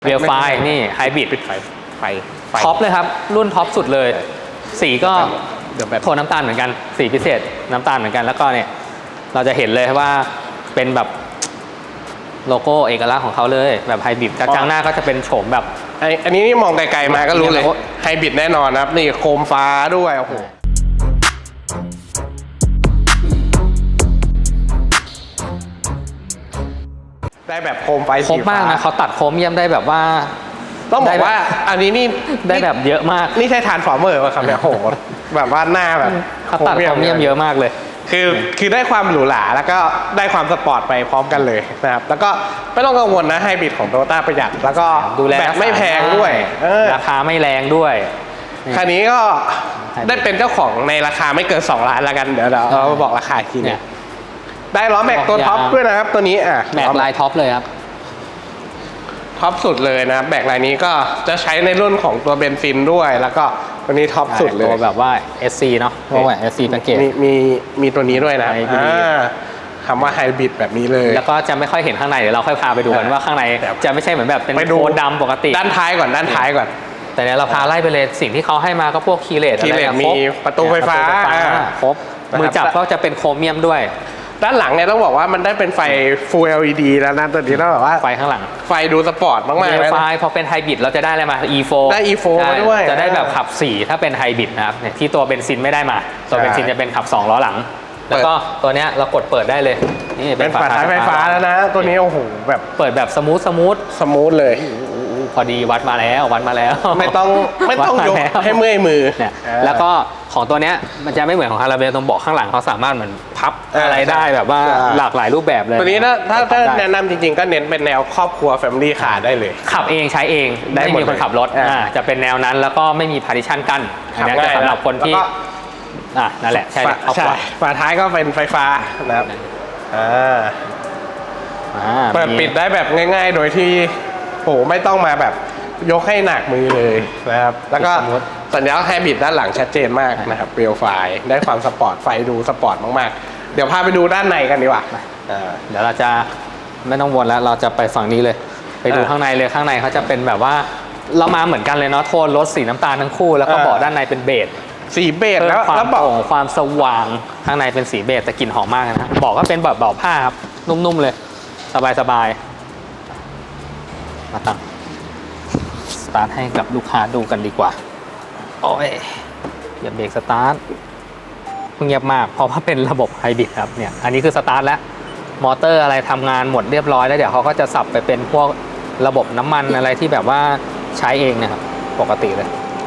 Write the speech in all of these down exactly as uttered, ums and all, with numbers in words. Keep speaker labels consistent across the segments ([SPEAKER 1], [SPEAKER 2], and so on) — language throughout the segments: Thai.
[SPEAKER 1] เรียลไฟนี่ไฮบริด
[SPEAKER 2] ปิดไฟไฟ
[SPEAKER 1] ท็อปเลยครับรุ่นท็อปสุดเลยสีก็
[SPEAKER 2] เดี๋ยวแบบ
[SPEAKER 1] โทนน้ำตาลเหมือนกันสีพิเศษน้ำตาลเหมือนกันแล้วก็เนี่ยเราจะเห็นเลยว่าเป็นแบบโลโก้เอกลักษณ์ของเขาเลยแบบไฮบริดกระจังหน้าก็จะเป็นโฉมแบบ
[SPEAKER 2] ไออันนี้นี่มองไกลๆมาก็รู้เลยไฮบริดแน่นอนนะครับนี่โคมฟ้าด้วยโอ้โหได้แบบโคมไฟ
[SPEAKER 1] ครบมากนะเขาตัดโครเมียมได้แบบว่า
[SPEAKER 2] ต้องบอกว่าอันนี้นี่
[SPEAKER 1] ได้แบบเยอะมาก
[SPEAKER 2] นี่ใช่ทรานส์ฟอร์เมอร์ป่ะครับเนี่ยโหแบบว่าหน้าแบบ
[SPEAKER 1] เขาตัดโครเมียมเยอะมากเลย
[SPEAKER 2] คือคือได้ความหรูหราแล้วก็ได้ความสปอร์ตไปพร้อมกันเลยนะครับแล้วก็ไม่ต้องกังวลนะไฮบริดของโตโยต้าประหยัดแล้วก็
[SPEAKER 1] ดูแล
[SPEAKER 2] แบบไม่แพงด้วย
[SPEAKER 1] ราคาไม่แรงด้วย
[SPEAKER 2] คันนี้ก็ได้เป็นเจ้าของในราคาไม่เกินสองล้านแล้วกันเดี๋ยวเราบอกราคาอีกทีนึงได้ล้อแม็กตัวท็อปด้วยนะครับตัวนี้อ่ะ
[SPEAKER 1] แม็กลายท็อปเลยครับ
[SPEAKER 2] ท็อปสุดเลยนะแม็กลายนี้ก็จะใช้ในรุ่นของตัวเบนซินด้วยแล้วก็ตัวนี้ท็อปสุดเลย
[SPEAKER 1] ตัวแบบว่า เอส ซี เนาะเพราะว่า เอส ซี แพ็คเกจ
[SPEAKER 2] มีมีมีตัวนี้ด้วยนะคำว่าไฮบริดแบบนี้เลย
[SPEAKER 1] แล้วก็จะไม่ค่อยเห็นข้างในเดี๋ยวเราค่อยพาไปดูกันว่าข้างในจะไม่ใช่เหมือนแบบเป็นโทนดำปกติ
[SPEAKER 2] ด้านท้ายก่อนด้านท้ายก่อน
[SPEAKER 1] แต่เนี่ยเราพาไล่ไปเลยสิ่งที่เขาให้มาก็พวกคีย์เลส
[SPEAKER 2] คีย์เลสมีประตูไฟฟ้า
[SPEAKER 1] ครบมือจับก็จะเป็นโครเมียมด้วย
[SPEAKER 2] ด้านหลังเนี่ยต้องบอกว่ามันได้เป็นไฟ Full แอล อี ดี แล้วนะตัวนี้ต้องแบบว่า
[SPEAKER 1] ไฟข้างหลัง
[SPEAKER 2] ไฟดูสปอร์ตมากๆเลย
[SPEAKER 1] ไฟพอเป็นไฮบริดเราจะได้อะไรมา อี โฟร์
[SPEAKER 2] ได้ อี โฟร์ มาด้วย
[SPEAKER 1] จะได้แบบขับสี่ถ้าเป็นไฮบริดนะครับที่ตัวเบนซินไม่ได้มาตัวเบนซินจะเป็นขับสองล้อหลังแล้วก็ตัวเนี้ยเรากดเปิดได้เลย
[SPEAKER 2] นี่เป็นฝาท้ายไฟฟ้าแล้วนะตัวนี้โอ้โหแบบ
[SPEAKER 1] เปิดแบบสมูทสมูท
[SPEAKER 2] สมูทเลย
[SPEAKER 1] พอดีวัดมาแล้ววัดมาแล้ว
[SPEAKER 2] ไม่ต้องไม่ต้องยกให้เมื่อยมือ
[SPEAKER 1] เนี่ยแล้วก็ของตัวเนี้ยมันจะไม่เหมือนของคาราเบลตรงเบาะข้างหลังเขาสามารถเหมือนพับอะไรได้แบบว่าหลากหลายรูปแบบเลย
[SPEAKER 2] ตัวนี้ถ้าถ้าถ้าแนะนำจริงๆก็เน้นเป็นแนวครอบครัว Family Car ได้เลย
[SPEAKER 1] ขับเองใช้เองไม่มีคนขับรถจะเป็นแนวนั้นแล้วก็ไม่มี partition กั้นอันนี้จะสำหรับคนที่อ่ะนั่นแหละใช่
[SPEAKER 2] ใช่ฝาท้ายก็เป็นไฟฟ้านะครับอ่าเปิดปิดได้แบบง่ายๆโดยที่โหไม่ต้องมาแบบยกให้หนักมือเลยนะครับแล้วก็สัญญาณไฮบริดด้านหลังชัดเจนมากนะครับเปลวไฟได้ความสปอร์ตไฟดูสปอร์ตมากๆเดี๋ยวพาไปดูด้านในกันดีกว่า
[SPEAKER 1] เดี๋ยวเราจะไม่ต้องวนแล้วเราจะไปฝั่งนี้เลยไปดูข้างในเลยข้างในเขาจะเป็นแบบว่าเรามาเหมือนกันเลยเนาะโทนรถสีน้ำตาลทั้งคู่แล้วก็เบาะด้านในเป็นเบจ
[SPEAKER 2] สีเบจแล้ว
[SPEAKER 1] ความโปร่งความสว่างข้างในเป็นสีเบจแต่กลิ่นหอมมากนะเบาะก็เป็นแบบเบาะผ้าครับนุ่มๆเลยสบายๆมาตั้งสตาร์ทให้กับลูกค้าดูกันดีกว่าโอ้ยอย่าเบรกสตาร์ทเงียบมากเพราะว่าเป็นระบบไฮบริดครับเนี่ยอันนี้คือสตาร์ทแล้วมอเตอร์อะไรทำงานหมดเรียบร้อยแล้วเดี๋ยวเขาก็จะสับไปเป็นพวกระบบน้ำมันอะไรที่แบบว่าใช้เองนะครับปกติเลย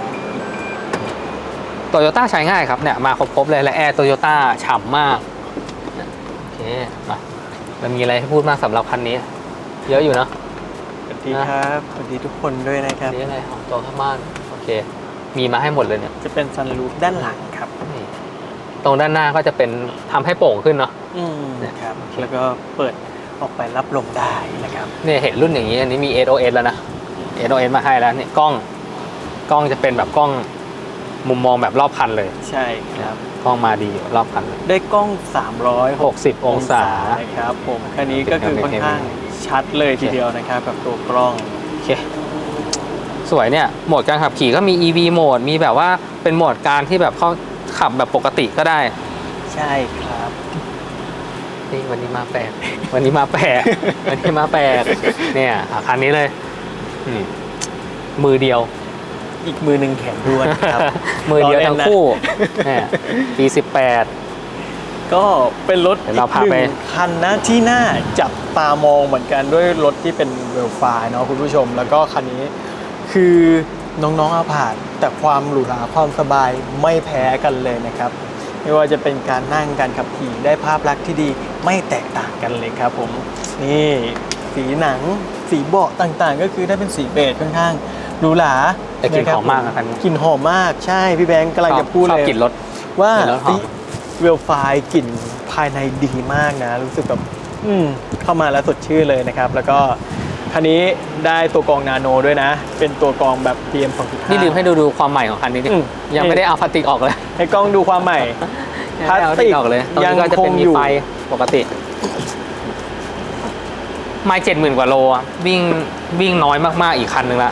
[SPEAKER 1] โตโยต้าใช้ง่ายครับเนี่ยมาครบๆเลยและแอร์โตโยต้าฉ่ำมากโอเคมามันมีอะไรให้พูดมากสำหรับคันนี้เยอะอยู่เนาะ
[SPEAKER 3] สวัสดีครับสวัสดีทุกคนด้วยนะครับ
[SPEAKER 1] นี่อะไรของตัวข้างบ้านโอเคมีมาให้หมดเลยเนี่ย
[SPEAKER 3] จะเป็นซันรูฟด้านหลังครับ
[SPEAKER 1] ตรงด้านหน้าก็จะเป็นทำให้โปร่งขึ้นเนาะ
[SPEAKER 3] อืมครับแล้วก็เปิดออกไปรับลมได้นะครับ
[SPEAKER 1] เนี่ยเห็นรุ่นอย่างนี้อันนี้มี เอส โอ เอส แล้วนะ เอส โอ เอส มาให้แล้วเนี่ยกล้องกล้องจะเป็นแบบกล้องมุมมองแบบรอบคันเลย
[SPEAKER 3] ใช่ครับ
[SPEAKER 1] กล้องมาดีรอบคัน
[SPEAKER 3] ได้กล้องสามร้อย
[SPEAKER 1] หกสิบองศา
[SPEAKER 3] นะครับผมคันนี้ก็คือค่อนข้างชัดเลยทีเดียวนะครับกับตัวกล้อง
[SPEAKER 1] โอเคสวยเนี่ยโหมดการขับขี่ก็มี อี วี โหมดมีแบบว่าเป็นโหมดการที่แบบเขาขับแบบปกติก็ได้
[SPEAKER 3] ใช่ครับ
[SPEAKER 1] นี่วันนี้มาแปลกวันนี้มาแปลกวันนี้มาแปลกเนี่ยคันนี้เลยมือเดียว
[SPEAKER 3] อีกมือหนึ่งแขนด้วนครับ
[SPEAKER 1] มือเดียวทั้งคู่เนี่ยปีสิบแปด
[SPEAKER 3] ก็เป็นรถ
[SPEAKER 1] หนึ่ง
[SPEAKER 3] คันนะที่น่าจับตามองเหมือนกันด้วยรถที่เป็นเวลไฟเนาะคุณผู้ชมแล้วก็คันนี้คือน้องๆอาผ่านแต่ความหรูหราความสบายไม่แพ้กันเลยนะครับไม่ว่าจะเป็นการนั่งการขับขี่ได้ภาพลักษณ์ที่ดีไม่แตกต่างกันเลยครับผมนี่สีหนังสีเบาะต่างๆก็คือได้เป็นสีเบจค่อนข้างหรูหรา
[SPEAKER 1] แต่กลิ่นหอมมากครับ
[SPEAKER 3] กลิ่นหอมมากใช่พี่แบงค์กำลังจะพูดเลย
[SPEAKER 1] กลิ่นรถ
[SPEAKER 3] ว่าเวลไฟกลิ่นภายในดีมากนะรู้สึกแบบอืมเข้ามาแล้วสดชื่นเลยนะครับแล้วก็คันนี้ได้ตัวกรองนาโนด้วยนะเป็นตัวกรองแบบ พี เอ็ม สองจุดห้า
[SPEAKER 1] นี่ลืมให้ดูดูความใหม่ของคันนี้ดิยังไม่ได้เอาพลาสติกออกเลย
[SPEAKER 3] ให้กล้องดูความใหม่
[SPEAKER 1] พลาสติกออกเลยตรงนี้ก็จะเป็นมีไฟปกติไม่เจ็ดหมื่นกว่าโลอะวิ่งวิ่งน้อยมากๆอีกคันหนึ่งละ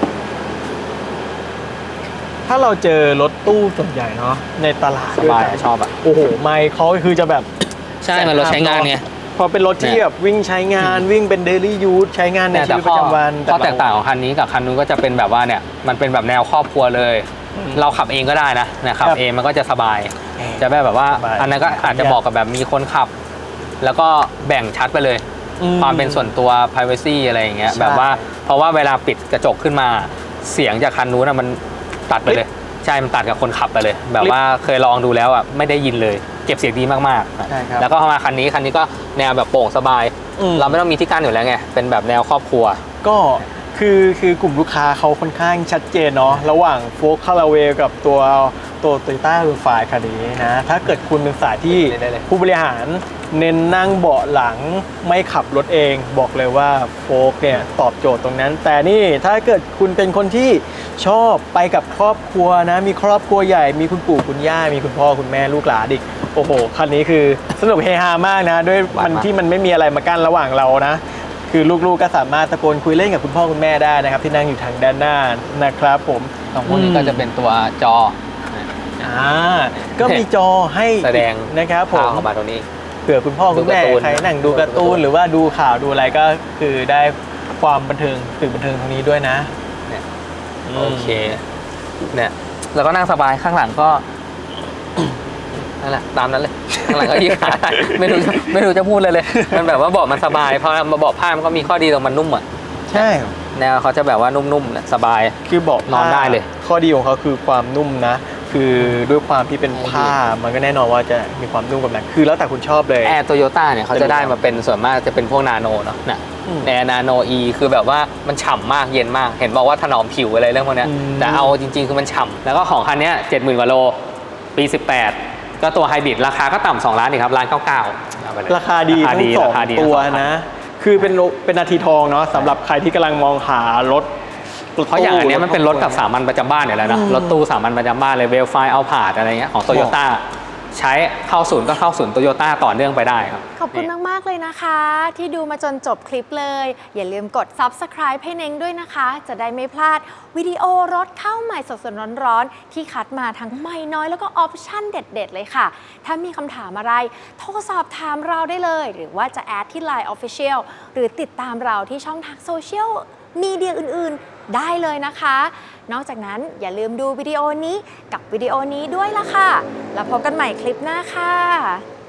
[SPEAKER 3] ถ้าเราเจอรถตู้ส่วนใหญ่เนาะในตลาด
[SPEAKER 1] สบาย
[SPEAKER 3] ด้วยกัน
[SPEAKER 1] ชอบอ่ะ
[SPEAKER 3] โอ้โหไม่เขาคือจะแบบ
[SPEAKER 1] ใช่มันรถใช้งานไง
[SPEAKER 3] พอเป็นรถที่
[SPEAKER 1] เนี่ย
[SPEAKER 3] แบบวิ่งใช้งานวิ่งเป็นเดลี่ยูสใช้งานใน
[SPEAKER 1] เนี่ย
[SPEAKER 3] ชี
[SPEAKER 1] แต่
[SPEAKER 3] วิตประจำวัน
[SPEAKER 1] ข้อแตกต่าง
[SPEAKER 3] เร
[SPEAKER 1] ของคันนี้กับคันนู้นก็จะเป็นแบบว่าเนี่ยมันเป็นแบบแนวครอบครัวเลย เราขับเองก็ได้นะเนี่ยขับ
[SPEAKER 3] ครับ
[SPEAKER 1] เองมันก็จะสบาย
[SPEAKER 3] เออ
[SPEAKER 1] จะแบบว่า
[SPEAKER 3] สบาย
[SPEAKER 1] อันนั้นก็อาจจะบอกกับแบบมีคนขับ แล้วก็แบ่งชัดไปเลย
[SPEAKER 3] อืม
[SPEAKER 1] ความเป็นส่วนตัว privacy อะไรอย่างเงี้ย
[SPEAKER 3] ใช่
[SPEAKER 1] แบบว่าเพราะว่าเวลาปิดกระจกขึ้นมาเสียงจากคันนู้นอะมันตัดไปเลย ใช่มันตัดกับคนขับไปเลย แบบว่าเคยลองดูแล้วอ่ะไม่ได้ยินเลยเก็บเสียงดีมากๆ
[SPEAKER 3] ใช่ครับ
[SPEAKER 1] แล้วก็มาคันนี้คันนี้ก็แนวแบบโปร่งสบาย
[SPEAKER 3] อืม
[SPEAKER 1] เราไม่ต้องมีที่กั้นอยู่แล้วไงเป็นแบบแนวครอบครัว
[SPEAKER 3] ก็คือคือกลุ่มลูกค้าเขาค่อนข้างชัดเจนเนาะระหว่างโฟล์คาราเวลกับตัวตัวโตโยต้ารูฟายคันนี้นะถ้าเกิดคุณเป็นสายที่
[SPEAKER 1] ได้เลย
[SPEAKER 3] ผู้บริหารเน้นนั่งเบาะหลังไม่ขับรถเองบอกเลยว่าโฟล์คเนี่ยตอบโจทย์ตรงนั้น แต่นี่ถ้าเกิดคุณเป็นคนที่ชอบไปกับครอบครัวนะมีครอบครัวใหญ่มีคุณปู่คุณย่ามีคุณพ่อคุณแม่ลูกหลานอีกโอ้โหคันนี้คือสนุกเฮฮามากนะด้วยมันที่มันไม่มีอะไรมากั้นระหว่างเรานะ คือลูกๆก็สามารถตะโกนคุยเล่นกับคุณพ่อคุณแม่ได้นะครับที่นั่งอยู่ทางด้านหน้านะครับผม
[SPEAKER 1] ตรงพวกนี้ก็จะเป็นตัวจอ
[SPEAKER 3] อ่าก็มีจอให้
[SPEAKER 1] แสดง
[SPEAKER 3] นะครับผม
[SPEAKER 1] พาเข้ามาตรงนี้
[SPEAKER 3] เผื่อคุณพ่อคุณแม่
[SPEAKER 1] ดูการ์ตูน
[SPEAKER 3] ใครนั่งดูการ์ตูนหรือว่าดูข่าวดูอะไรก็คือได้ความบันเทิงสื่อบันเทิงตรงนี้ด้วยนะ
[SPEAKER 1] เนี่ย
[SPEAKER 3] ม
[SPEAKER 1] โอเคเนี่ยแล้วก็นั่งสบายข้างหลังก็ นั่นแหละตามนั้นเลยข้างหลังก็ยืดขาได้ไม่รู้จะไม่รู้จะพูดเลยเลย มันแบบว่าเบาะมันสบายเพราะมาเบาะผ้ามันก็มีข้อดีตรงมันนุ่มอ่ะ
[SPEAKER 3] ใช่
[SPEAKER 1] แนวเขาจะแบบว่านุ่มๆเนี่ยสบาย
[SPEAKER 3] คือเบาะ
[SPEAKER 1] นอนได้เลย
[SPEAKER 3] ข้อดีของเขาคือความนุ่มนะ คือด้วยความที่เป็นผ้ามันก็แน่นอนว่าจะมีความนุ่มกับหนังคือแล้วแต่คุณชอบเลย
[SPEAKER 1] แอร์โตโยต้าเนี่ยเขาจะได้มาเป็นส่วนมากจะเป็นพวกนาโนเนาะน่ะ
[SPEAKER 3] อืม
[SPEAKER 1] แอร์นาโนอีคือแบบว่ามันฉ่ำมากเย็นมาก เห็นบอกว่าถนอมผิวอะไรเรื่องพวกเนี้ย
[SPEAKER 3] อืม
[SPEAKER 1] แต่เอาจริงๆคือมันฉ่ำแล้วก็ของคันเนี้ยเจ็ดหมื่นกว่าโลปีสิบแปดก็ตัวไฮบริดราคาก็ต่ำสองล้านอีกครับล้านเก้าเก้าเอาไปเลย
[SPEAKER 3] ราคาดี
[SPEAKER 1] ราคา
[SPEAKER 3] ทั้
[SPEAKER 1] ดี
[SPEAKER 3] งสอง
[SPEAKER 1] ราคาดี
[SPEAKER 3] ตัว
[SPEAKER 1] ทั้งสองคั
[SPEAKER 3] นะ คือเป็นโลเป็นนาทีทองเนาะสำหรับใครที่กำลังมองหารถ
[SPEAKER 1] เพราะอย่างอันเนี้ยมันเป็นรถกับสามัญประจำบ้านอยู่แล้วนะ
[SPEAKER 3] อืม
[SPEAKER 1] รถตู้สามัญประจำบ้านเลยเวลไฟเอาผาดอะไรเงี้ยของโตโยต้าใช้เข้าศูนย์ก็เข้าศูนย์โตโยต้าต่อเนื่องไปได้ครับ
[SPEAKER 4] ขอบคุณมาก ๆ เลยนะคะ ที่ดูมาจนจบคลิปเลย อย่าลืมกด ซับสไครบ์ ให้เน้งด้วยนะคะ จะได้ไม่พลาดวิดีโอรถเข้าใหม่สดๆร้อนๆที่คัดมาทั้งใหม่น้อยแล้วก็ออปชั่นเด็ด ๆ เลยค่ะ ถ้ามีคำถามอะไร โทรสอบถามเราได้เลย หรือว่าจะแอดที่ ไลน์ Official หรือติดตามเราที่ช่องทางโซเชียลมีเดียอื่น ๆ ได้เลยนะคะ นอกจากนั้นอย่าลืมดูวิดีโอนี้กับวิดีโอนี้ด้วยล่ะค่ะ แล้วพบกันใหม่คลิปหน้าค่ะ